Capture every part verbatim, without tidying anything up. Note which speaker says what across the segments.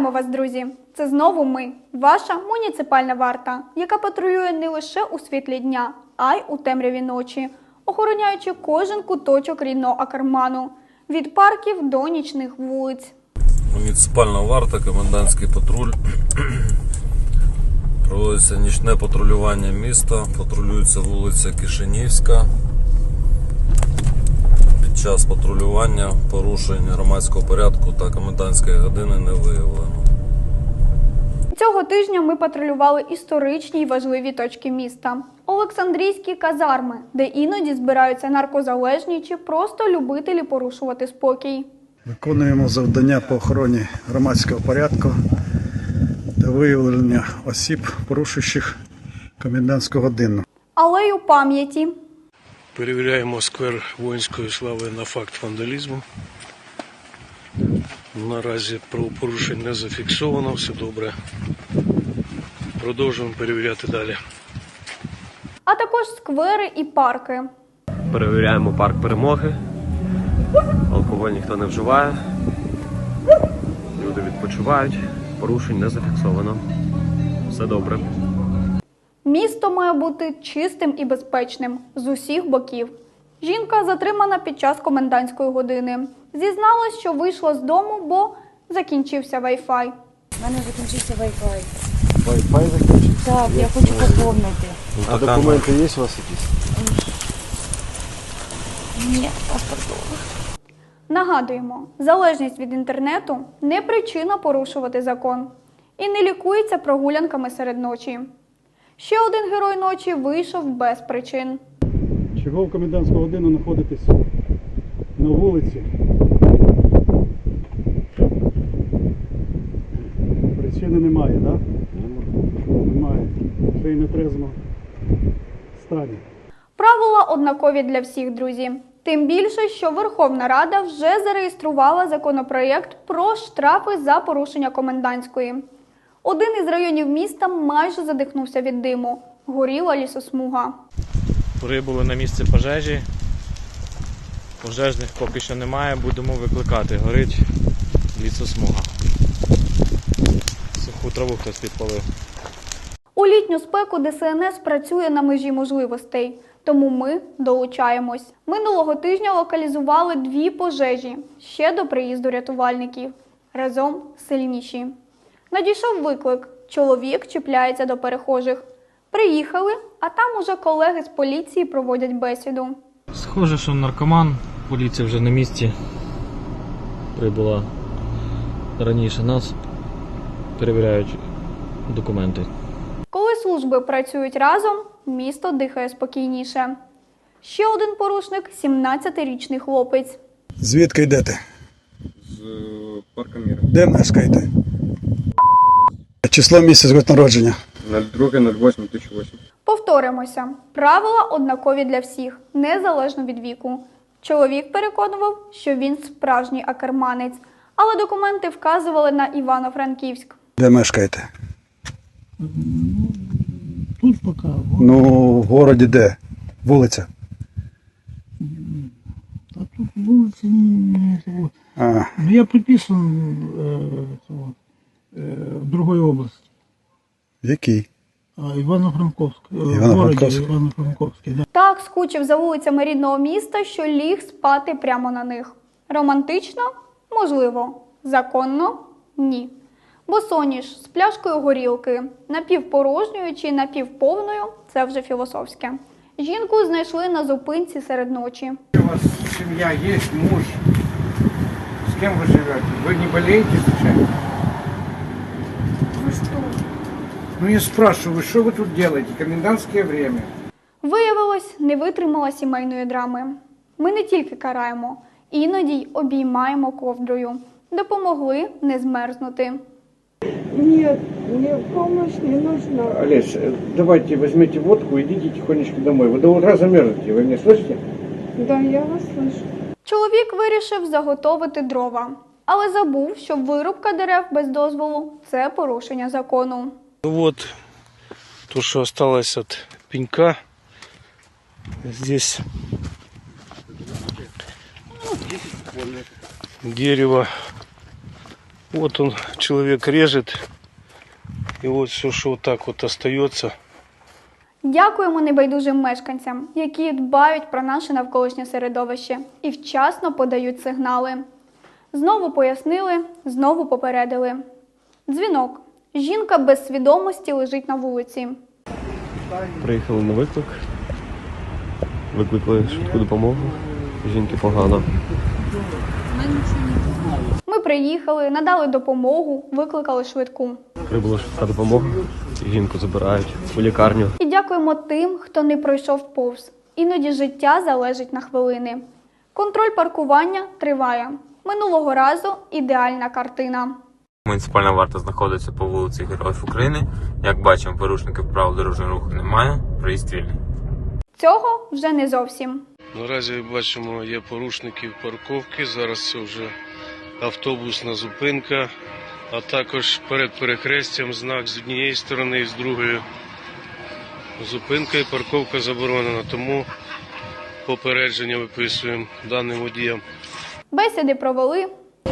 Speaker 1: Вітаємо вас, друзі! Це знову ми, ваша муніципальна варта, яка патрулює не лише у світлі дня, а й у темряві ночі, охороняючи кожен куточок рідного Акерману, від парків до нічних вулиць.
Speaker 2: Муніципальна варта, комендантський патруль. Проводиться нічне патрулювання міста, патрулюється вулиця Кишинівська. Під час патрулювання порушень громадського порядку та комендантської години не виявлено.
Speaker 1: Цього тижня ми патрулювали історичні й важливі точки міста. Олександрійські казарми, де іноді збираються наркозалежні чи просто любителі порушувати спокій.
Speaker 3: Виконуємо завдання по охороні громадського порядку та виявлення осіб, порушуючих комендантську годину.
Speaker 1: Алею пам'яті.
Speaker 4: Перевіряємо сквер воїнської слави на факт вандалізму. Наразі правопорушень не зафіксовано, все добре. Продовжуємо перевіряти далі.
Speaker 1: А також сквери і парки.
Speaker 5: Перевіряємо парк Перемоги. Алкоголь ніхто не вживає. Люди відпочивають. Порушень не зафіксовано. Все добре.
Speaker 1: Місто має бути чистим і безпечним з усіх боків. Жінка затримана під час комендантської години. Зізналась, що вийшла з дому, бо закінчився Wi-Fi.
Speaker 6: У мене закінчився Wi-Fi.
Speaker 7: Wi-Fi закінчився?
Speaker 6: Так, я хочу поповнити.
Speaker 7: А документи є у вас якісь?
Speaker 6: Ні, паспорту.
Speaker 1: Нагадуємо, залежність від інтернету – не причина порушувати закон. І не лікується прогулянками серед ночі. Ще один герой ночі вийшов без причин.
Speaker 3: Чого в комендантську годину знаходитесь на вулиці? Причини немає, так? Да? Немає. Ще й не трезвно стані.
Speaker 1: Правила однакові для всіх, друзі. Тим більше, що Верховна Рада вже зареєструвала законопроєкт про штрафи за порушення комендантської. Один із районів міста майже задихнувся від диму. Горіла лісосмуга.
Speaker 8: Прибули на місце пожежі. Пожежних поки що немає, будемо викликати. Горить лісосмуга. Суху траву хтось підпалив.
Speaker 1: У літню спеку Де Се Ен Ес працює на межі можливостей, тому ми долучаємось. Минулого тижня локалізували дві пожежі, ще до приїзду рятувальників. Разом сильніші. Надійшов виклик. Чоловік чіпляється до перехожих. Приїхали, а там уже колеги з поліції проводять бесіду.
Speaker 8: Схоже, що наркоман. Поліція вже на місці. Прибула раніше нас. Перевіряють документи.
Speaker 1: Коли служби працюють разом, місто дихає спокійніше. Ще один порушник – сімнадцятирічний хлопець.
Speaker 3: Звідки йдете?
Speaker 7: З парка Міра.
Speaker 3: Де мешкаєте? Число, місяць, год народження.
Speaker 7: нуль два нуль восемь дві тисячі восьмий.
Speaker 1: Повторимося. Правила однакові для всіх, незалежно від віку. Чоловік переконував, що він справжній акерманець, але документи вказували на Івано-Франківськ.
Speaker 3: Де мешкаєте?
Speaker 9: Тут пока.
Speaker 3: Ну, в городі де? Вулиця?
Speaker 9: А тут вулиці не того.
Speaker 3: А,
Speaker 9: Ну, я приписан э, того, э, в другой области.
Speaker 3: в якій?
Speaker 9: А, Ивано-Франковск. Э, в
Speaker 3: Ивано-Франковск.
Speaker 9: городе Ивано-Франковске, да.
Speaker 1: Так скучив за вулицями рідного міста, що ліг спати прямо на них. Романтично? Можливо. Законно? Ні. Босоніж з пляшкою горілки, напівпорожньою чи напівповною – це вже філософське. Жінку знайшли на зупинці серед ночі.
Speaker 10: У вас семья есть, муж? С кем вы живете? Вы не болеете случайно?
Speaker 6: Ви що?
Speaker 10: Ну я спрашиваю, что вы тут делаете? Комендантское время.
Speaker 1: Виявилось, не витримала сімейної драми. Ми не тільки караємо, іноді й обіймаємо ковдрою. Допомогли не змерзнути.
Speaker 11: Нет, мне помощь не нужна.
Speaker 10: Олесь, давайте возьмите водку и идите тихонечко домой. Вы до утра замерзнете, вы меня слышите?
Speaker 11: Да, я вас слышу.
Speaker 1: Чоловік вирішив заготовити дрова, але забув, що вирубка дерев без дозволу – це порушення закону.
Speaker 4: Вот то, что осталось от пенька. Здесь дерево Вот он, человек режет, и вот все, что вот так вот остается.
Speaker 1: Дякуємо небайдужим мешканцям, які дбають про наше навколишнє середовище і вчасно подають сигнали. Знову пояснили, знову попередили. Дзвінок. Жінка без свідомості лежить на вулиці.
Speaker 5: Приїхали на виклик. Викликали швидку допомогу. Жінки погано.
Speaker 1: Ми приїхали, надали допомогу, викликали швидку.
Speaker 5: Прибула швидка допомога. Жінку забирають у лікарню.
Speaker 1: І дякуємо тим, хто не пройшов повз. Іноді життя залежить на хвилини. Контроль паркування триває. Минулого разу ідеальна картина.
Speaker 12: Муніципальна варта знаходиться по вулиці Героїв України. Як бачимо, порушників правил дорожнього руху немає, проїзд вільний.
Speaker 1: Цього вже не зовсім.
Speaker 4: Наразі бачимо, є порушників парковки. Зараз це вже автобусна зупинка, а також перед перехрестям знак з однієї сторони і з другої. Зупинка і парковка заборонена, тому попередження виписуємо даним водіям.
Speaker 1: Бесіди провели.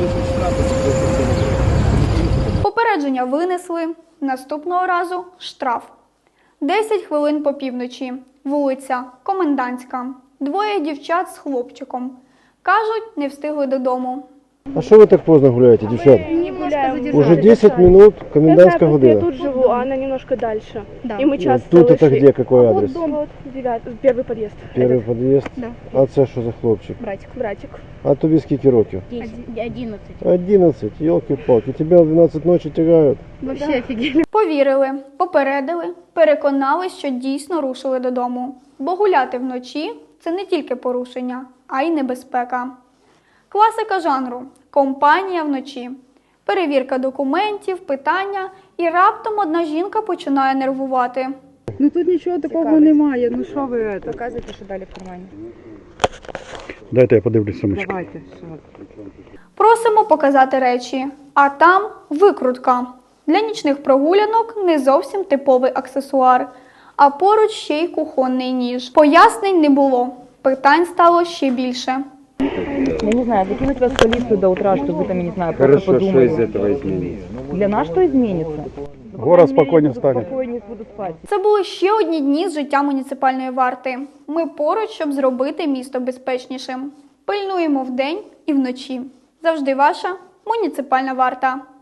Speaker 1: Попередження винесли. Наступного разу штраф. десять хвилин по півночі. Вулиця Комендантська. Двоє дівчат з хлопчиком. Кажуть, не встигли додому.
Speaker 7: А що ви так поздно гуляєте, дівчата?
Speaker 11: Не гуляем.
Speaker 7: Уже десять минут, комендантська
Speaker 11: Я
Speaker 7: година.
Speaker 11: тут живу, а она немножко дальше. И мы часто
Speaker 7: Тут это
Speaker 11: шли.
Speaker 7: где, какой
Speaker 11: Вот
Speaker 7: адрес?
Speaker 11: дом, вот девятый, первый подъезд.
Speaker 7: Перший
Speaker 11: Этот.
Speaker 7: під'їзд?
Speaker 11: Да.
Speaker 7: А це що за хлопчик?
Speaker 11: Братик. Братик.
Speaker 7: А тобі скільки років?
Speaker 11: Одиннадцать.
Speaker 7: одинадцять, елки-палки. Тебя в двенадцать ночи тягають.
Speaker 11: Вообще офигели.
Speaker 1: Повірили, попередили, переконались, що дійсно рушили додому. Бо гуляти вночі – це не тільки порушення, а й небезпека. Класика жанру – компанія вночі. Перевірка документів, питання, і раптом одна жінка починає нервувати.
Speaker 11: Ну тут нічого такого немає, ну що ви это? Показуйте, що далі в кармані.
Speaker 3: Дайте я подивлюсь сумочку.
Speaker 11: Давайте.
Speaker 1: Просимо показати речі, а там викрутка. Для нічних прогулянок не зовсім типовий аксесуар, а поруч ще й кухонний ніж. Пояснень не було, питань стало ще більше.
Speaker 6: Я не знаю, закинуть вас в полицию до утра, чтобы вы там, я не знаю, просто
Speaker 7: Хорошо, что
Speaker 6: подумали.
Speaker 7: из этого изменится?
Speaker 6: Для нас что изменится?
Speaker 3: Город спокойнее станет.
Speaker 6: Спокойнее буду спать.
Speaker 1: Це були ще одні дні з життя муніципальної варти. Ми поруч, щоб зробити місто безпечнішим. Пильнуємо вдень і вночі. Завжди ваша муніципальна варта.